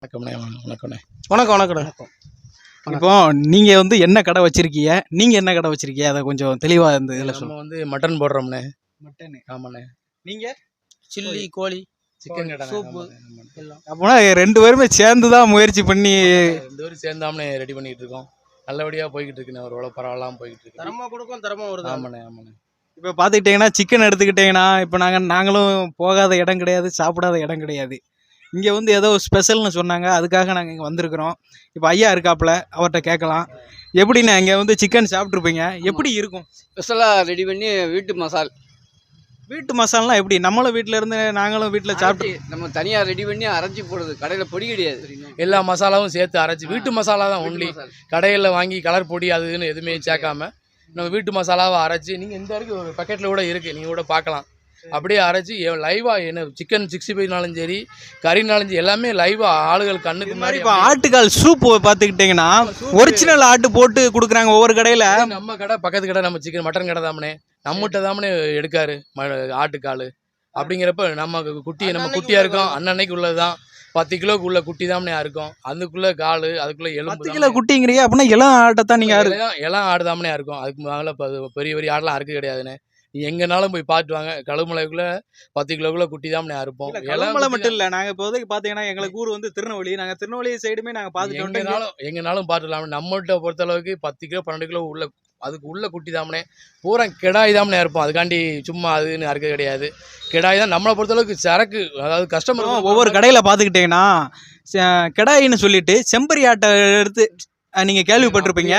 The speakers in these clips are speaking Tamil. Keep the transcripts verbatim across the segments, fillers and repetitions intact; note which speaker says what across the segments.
Speaker 1: வணக்கம்ண்ணே வணக்கம்ண்ணே
Speaker 2: வணக்கம் வணக்கண்ணே. இப்போ நீங்கள் வந்து என்ன கடை வச்சுருக்கீங்க, நீங்கள் என்ன கடை வச்சுருக்கீங்க, அதை கொஞ்சம் தெளிவாக இந்த இதில்
Speaker 1: நம்ம
Speaker 2: சொல்லுங்கள்.
Speaker 1: வந்து மட்டன் போடுறோம்ண்ணே.
Speaker 2: மட்டனு.
Speaker 1: ஆமாண்ணே.
Speaker 2: நீங்கள்
Speaker 3: சில்லி கோழி
Speaker 1: சிக்கன் கடை
Speaker 3: சூப்பு
Speaker 1: எல்லாம்
Speaker 2: அப்போனா ரெண்டு பேருமே சேர்ந்து தான் முயற்சி பண்ணி
Speaker 1: ரெண்டு பேரும் சேர்ந்தாமண்ணே ரெடி பண்ணிட்டு இருக்கோம். நல்லபடியாக போய்கிட்டு இருக்குண்ணே. ஒரு எவ்வளோ பரவாயில்லாமல் போய்கிட்டு இருக்கு.
Speaker 3: தரமா கொடுக்கும் தரமா வருது.
Speaker 1: ஆமாண்ணே ஆமாண்ணே.
Speaker 2: இப்போ பார்த்துக்கிட்டிங்கன்னா சிக்கன் எடுத்துக்கிட்டிங்கன்னா இப்போ நாங்கள் நாங்களும் போகாத இடம் கிடையாது, சாப்பிடாத இடம் கிடையாது. இங்கே வந்து ஏதோ ஸ்பெஷல்னு சொன்னாங்க, அதுக்காக நாங்கள் இங்கே வந்திருக்கிறோம். இப்போ ஐயா இருக்காப்புல, அவர்கிட்ட கேட்கலாம். எப்படிண்ணே இங்கே வந்து சிக்கன் சாப்பிட்ருப்பீங்க, எப்படி இருக்கும்?
Speaker 4: ஸ்பெஷலாக ரெடி பண்ணி வீட்டு மசால்
Speaker 2: வீட்டு மசாலாம் எப்படி நம்மளும் வீட்டில் இருந்து நாங்களும் வீட்டில் சாப்பிட்டு
Speaker 4: நம்ம தனியாக ரெடி பண்ணி அரைச்சி போடுறது. கடையில் பொடி கிடையாது,
Speaker 1: எல்லா மசாலாவும் சேர்த்து அரைச்சி வீட்டு மசாலா தான் ஒன்லி. கடையில் வாங்கி கலர் பொடி அதுன்னு எதுவுமே சேர்க்காம நம்ம வீட்டு மசாலாவை அரைச்சி, நீங்கள் இந்த வரைக்கும் ஒரு பக்கெட்டில் கூட இருக்குது, நீங்கள் கூட பார்க்கலாம். அப்படியே அரைச்சி லைவாக என்ன சிக்கன் சிக்ஸ்டி ஃபைவ்னாலும் சரி, கறினாலும் சரி, எல்லாமே லைவாக ஆளுகள் கண்ணுக்கு
Speaker 2: மாதிரி. இப்போ ஆட்டுக்கால் சூப் பார்த்துக்கிட்டிங்கன்னா ஒரிஜினல் ஆட்டு போட்டு கொடுக்குறாங்க ஒவ்வொரு கடையில்.
Speaker 1: நம்ம கடை பக்கத்து கடை நம்ம சிக்கன் மட்டன் கடை தாமனே, நம்மகிட்ட தாமனே எடுக்காரு ஆட்டுக்கால். அப்படிங்கிறப்ப நம்ம குட்டி நம்ம குட்டியாக இருக்கோம், அன்னன்னைக்கு உள்ளது தான். பத்து கிலோக்கு உள்ள குட்டி தாமனே இருக்கும், அதுக்குள்ளே கால் அதுக்குள்ளே எலும்பு.
Speaker 2: பத்து கிலோ குட்டிங்கிறீங்க அப்படின்னா எல்லாம் ஆட்டை தான் நீங்கள்
Speaker 1: எல்லாம் ஆடு தாமனே இருக்கும். அதுக்கு மேலே பெரிய பெரிய ஆடெலாம் அறுக்க கிடையாதுண்ணே. நீ எங்கனாலும் போய் பார்த்து வாங்க, கழுமலைக்குள்ள பத்து கிலோக்குள்ள குட்டி தான் அறுப்போம்.
Speaker 2: கழுமலை மட்டும் இல்லை, நாங்கள் இப்போதைக்கு பார்த்தீங்கன்னா எங்களுக்கு ஊர் வந்து திருநெல்வேலி, நாங்கள் திருநெல்வேலி சைடுமே நாங்கள் பார்த்துட்டு
Speaker 1: எங்கனாலும் எங்கனாலும் பார்த்துக்கலாம். நம்மகிட்ட பொறுத்தளவுக்கு பத்து கிலோ பன்னெண்டு கிலோ உள்ள அதுக்கு உள்ள குட்டி தாமனே பூரா கிடாய் தாமனே இருப்போம். அதுக்காண்டி சும்மா அதுன்னு அறுக்க கிடையாது, கிடாய் தான். நம்மளை பொறுத்தளவுக்கு சரக்கு, அதாவது கஸ்டமர்
Speaker 2: ஒவ்வொரு கடையில் பார்த்துக்கிட்டிங்கன்னா கிடாயின்னு சொல்லிட்டு செம்பரி ஆட்டை எடுத்து நீங்கள் கேள்விப்பட்டிருப்பீங்க.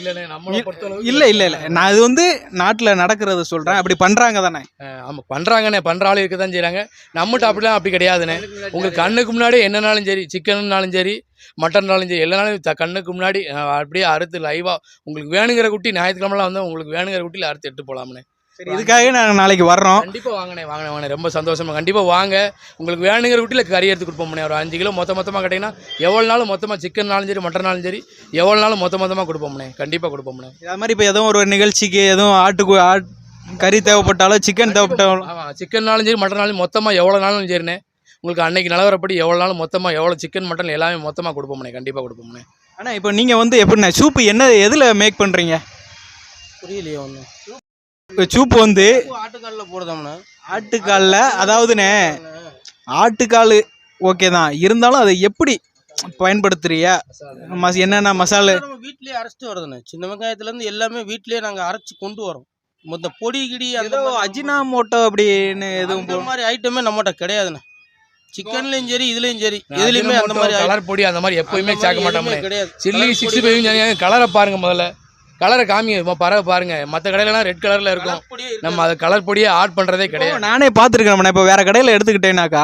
Speaker 2: இல்லை இல்லை இல்லை நான் இது வந்து நாட்டில் நடக்கிறத சொல்கிறேன். அப்படி பண்ணுறாங்க தானே?
Speaker 1: ஆமாம் பண்ணுறாங்கண்ணே, பண்ணுற ஆள் இருக்க தான் செய்கிறாங்க. நம்மகிட்ட அப்படிலாம் அப்படி கிடையாதுண்ணே. உங்களுக்கு கண்ணுக்கு முன்னாடி என்னன்னாலும் சரி, சிக்கன்னாலும் சரி, மட்டன்னாலும் சரி, எல்லானாலும் த கண்ணுக்கு முன்னாடி அப்படியே அறுத்து லைவாக உங்களுக்கு வேணுங்கிற குட்டி ஞாயிற்றுக்கிழமெல்லாம் வந்து உங்களுக்கு வேணுங்கிற குட்டியில் அறுத்து எடுத்து போகலாம்ண்ணே.
Speaker 2: சரி, இதுக்காக நாங்கள் நாளைக்கு வர்றோம்.
Speaker 1: கண்டிப்பாக வாங்கினே வாங்கினே வாங்கினே ரொம்ப சந்தோஷமா. கண்டிப்பாக வாங்க, உங்களுக்கு வேணுங்கிற குட்டியில் கறி எடுத்து கொடுப்போம்ண்ணே. ஒரு அஞ்சு கிலோ மொத்த மொத்தமாக கேட்டிங்கன்னா எவ்வளோ நாளும் மொத்தமாக சிக்கன்னாலும் சரி மட்டனாலும் சரி எவ்வளோ நாளும் மொத்த மொத்தமாக கொடுப்போம்ண்ணே. கண்டிப்பாக கொடுப்போம்ண்ணே.
Speaker 2: அது மாதிரி இப்போ எதுவும் ஒரு நிகழ்ச்சிக்கு எதுவும் ஆட்டுக்கு ஆட் கறி தேவைப்பட்டாலும் சிக்கன் தேவைப்பட்டாலும்
Speaker 1: ஆமாம், சிக்கன்னாலும் சரி மட்டனாலும் மொத்தமாக எவ்வளோ நாளும் சரிண்ணே. உங்களுக்கு அன்னைக்கு நிலவரப்படி எவ்வளோ நாளும் மொத்தமாக எவ்வளோ சிக்கன் மட்டன் எல்லாமே மொத்தமாக கொடுப்போம்ண்ணே. கண்டிப்பாக கொடுப்போம்ண்ணே. ஆனால்
Speaker 2: இப்போ நீங்கள் வந்து எப்படிண்ணே சூப்பு என்ன எதில் மேக் பண்ணுறீங்க?
Speaker 3: புரியலையே ஒன்று.
Speaker 2: இப்போ சூப்பு வந்து
Speaker 3: ஆட்டுக்காலில் போடுதோம்னா
Speaker 2: ஆட்டுக்காலில், அதாவதுண்ணே ஆட்டுக்கால் ஓகே தான், இருந்தாலும் அதை எப்படி பயன்படுத்துறியா, மஸ் என்னென்ன மசாலா
Speaker 3: நம்ம வீட்லேயே அரைச்சிட்டு வருதுண்ணே. சின்ன வெங்காயத்துலேருந்து எல்லாமே வீட்லேயே நாங்கள் அரைச்சி கொண்டு வரோம். மொத்த பொடி கிடி அந்த
Speaker 2: அஜினாமோட்டோ அப்படின்னு எதுவும்
Speaker 3: இந்த மாதிரி ஐட்டமே நம்மகிட்ட கிடையாதுண்ணே. சிக்கன்லையும் சரி இதுலையும் சரி எதுலையுமே அந்த மாதிரி
Speaker 1: கலர் பொடி அந்த மாதிரி எப்போயுமே சேர்க்க மாட்டோம்ண்ணே.
Speaker 3: கிடையாது.
Speaker 1: சில்லி சிக்ஸ்டி ஃபைவ் கலரை பாருங்க, முதல்ல கலரை காமிங்க, பறவை பாருங்க. மற்ற கடையிலலாம் ரெட் கலர்ல இருக்கும், நம்ம அதை கலர் பொடியே ஆட் பண்றதே கிடையாது.
Speaker 2: நானே பார்த்துருக்கேன். இப்போ வேற கடையில் எடுத்துக்கிட்டேனாக்கா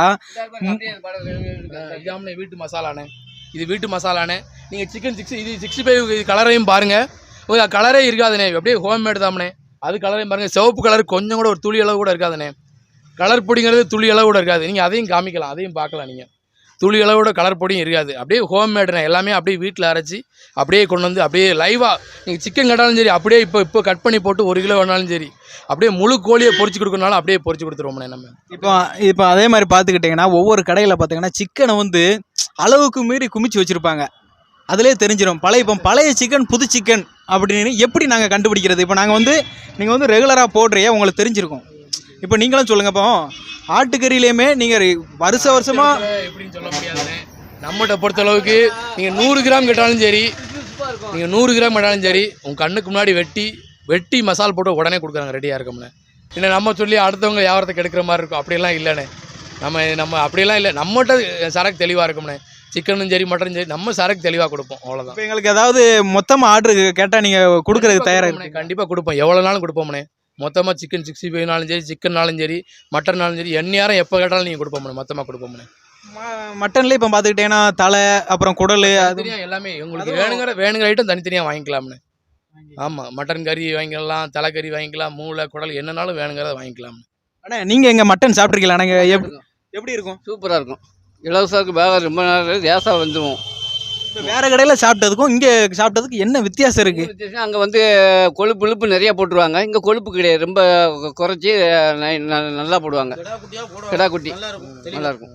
Speaker 1: இதாமனே வீட்டு மசாலானே, இது வீட்டு மசாலானே. நீங்கள் சிக்கன் சிக்ஸ் இது சிக்ஸ்டி ஃபைவ் கலரையும் பாருங்க, கலரே இருக்காதுண்ணே. அப்படியே ஹோம்மேட் தாமனே. அது கலரையும் பாருங்க, சிவப்பு கலர் கொஞ்சம் கூட ஒரு துளி அளவு கூட இருக்காதுண்ணே. கலர் பொடிங்கிறது துளி அளவு கூட இருக்காது. நீங்கள் அதையும் காமிக்கலாம், அதையும் பார்க்கலாம். நீங்கள் துளி அளவோட கலர் பொடியும் இருக்காது, அப்படியே ஹோம்மேடுண்ணே. எல்லாமே அப்படியே வீட்டில் அரைச்சி அப்படியே கொண்டு வந்து அப்படியே லைவாக நீங்கள் சிக்கன் கட்டாலும் சரி அப்படியே இப்போ இப்போ கட் பண்ணி போட்டு ஒரு கிலோ வேணாலும் சரி அப்படியே முழு கோழியை பொரிச்சு கொடுக்கறனாலும் அப்படியே பொரிச்சு கொடுத்துருவோம்ண்ணே நம்ம.
Speaker 2: இப்போ இப்போ அதே மாதிரி பார்த்துக்கிட்டிங்கன்னா ஒவ்வொரு கடையில் பார்த்தீங்கன்னா சிக்கனை வந்து அளவுக்கு மீறி குமிச்சு வச்சுருப்பாங்க, அதிலே தெரிஞ்சிடும். பழைய இப்போ பழைய சிக்கன் புது சிக்கன் அப்படின்னு எப்படி நாங்கள் கண்டுபிடிக்கிறது? இப்போ நாங்கள் வந்து நீங்கள் வந்து ரெகுலராக போடுறிய உங்களுக்கு தெரிஞ்சிருக்கும். இப்போ நீங்களும் சொல்லுங்கள். இப்போ ஆட்டுக்கறியிலையுமே நீங்கள் வருஷ வருஷமாக
Speaker 1: எப்படின்னு சொல்ல முடியாதுண்ணே. நம்மகிட்ட பொறுத்தளவுக்கு நீங்கள் நூறு கிராம் கேட்டாலும் சரி, நீங்கள் நூறு கிராம் கேட்டாலும் சரி உங்கள் கண்ணுக்கு முன்னாடி வெட்டி வெட்டி மசால் போட்டு உடனே கொடுக்குறாங்க, ரெடியாக இருக்கோம்ண்ணே. இல்லை நம்ம சொல்லி அடுத்தவங்க வியாபாரத்துக்கு எடுக்கிற மாதிரி இருக்கும், அப்படியெல்லாம் இல்லைண்ணே. நம்ம நம்ம அப்படியெல்லாம் இல்லை, நம்மகிட்ட சரக்கு தெளிவாக இருக்கும்ண்ணே. சிக்கனும் சரி மட்டனும் சரி நம்ம சரக்கு தெளிவாக கொடுப்போம், அவ்வளோதான்.
Speaker 2: இப்போ எங்களுக்கு ஏதாவது மொத்தமாக ஆர்டர் கேட்டால் நீங்கள் கொடுக்குறதுக்கு தயாராக?
Speaker 1: கண்டிப்பாக கொடுப்போம், எவ்வளோ நாளும் கொடுப்போம்ண்ணே. மொத்தமாக சிக்கன் சிக்ஸ்டி ஃபைவ்னாலும் சரி சிக்கன்னாலும் சரி மட்டன்னாலும் சரி என் நேரம் எப்போ கேட்டாலும் நீங்கள் கொடுப்போம்ண்ணே, மொத்தமாக கொடுப்போம்ண்ணே.
Speaker 2: மட்டன்லேயே இப்போ பார்த்துக்கிட்டேன்னா தலை அப்புறம் குடல் அது
Speaker 1: எல்லாமே உங்களுக்கு வேணுங்கிற வேணுங்கிற ஐட்டம் தனித்தனியாக வாங்கிக்கலாம்ண்ணே. ஆமாம், மட்டன் கறி வாங்கிக்கலாம், தலைக்கறி வாங்கிக்கலாம், மூளை குடல் என்னன்னாலும் வேணுங்கிறத வாங்கிக்கலாம்.
Speaker 2: ஆனால் நீங்கள் எங்கள் மட்டன் சாப்பிட்ருக்கீங்களா? நாங்கள் எப்படி எப்படி இருக்கும்?
Speaker 4: சூப்பராக இருக்கும். இலவசத்துக்கு பேக ரொம்ப நேரம் லேசாக வந்துடுவோம்.
Speaker 2: இப்போ வேறு கடையில் சாப்பிட்டதுக்கும் இங்கே சாப்பிட்டதுக்கு என்ன வித்தியாசம் இருக்குது?
Speaker 4: அங்கே வந்து கொழுப்பு இழுப்பு நிறையா போட்டுருவாங்க, இங்கே கொழுப்பு கிடையாது, ரொம்ப குறைச்சி நல்லா போடுவாங்க. கிடா குட்டி நல்லாயிருக்கும்.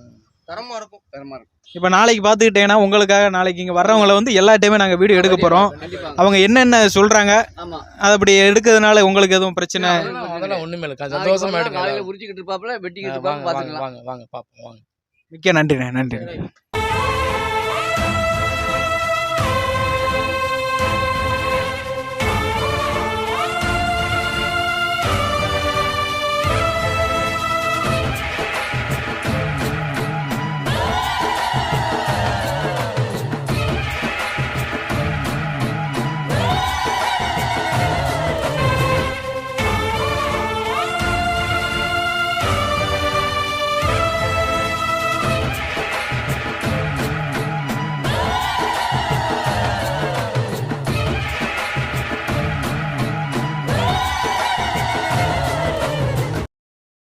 Speaker 3: தரமா இருக்கும்.
Speaker 4: தரமா இருக்கும்.
Speaker 2: இப்போ நாளைக்கு பார்த்துக்கிட்டீங்கன்னா உங்களுக்காக நாளைக்கு இங்கே வர்றவங்கள வந்து எல்லா டைமே நாங்கள் வீடியோ எடுக்க போகிறோம்.
Speaker 4: கண்டிப்பா.
Speaker 2: அவங்க என்னென்ன சொல்கிறாங்க
Speaker 4: ஆமா.
Speaker 2: அது அப்படி எடுக்கிறதுனால உங்களுக்கு எதுவும் பிரச்சனை?
Speaker 1: அதெல்லாம் அதெல்லாம் ஒண்ணுமே இல்லை,
Speaker 4: நாளைக்கு
Speaker 1: சந்தோஷமா
Speaker 4: வரலாம்,
Speaker 1: எடுங்க.
Speaker 4: காலையில உரிச்சுக்கிட்டு இருப்பாப்புல, வெட்டிக்கிட்டு
Speaker 1: வாங்க
Speaker 4: இருப்பாங்க,
Speaker 1: வாங்க
Speaker 4: பாத்துக்கலாம்.
Speaker 1: வாங்க வாங்க பாப்போம் வாங்க.
Speaker 2: மிக்க நன்றிண்ணே, நன்றி.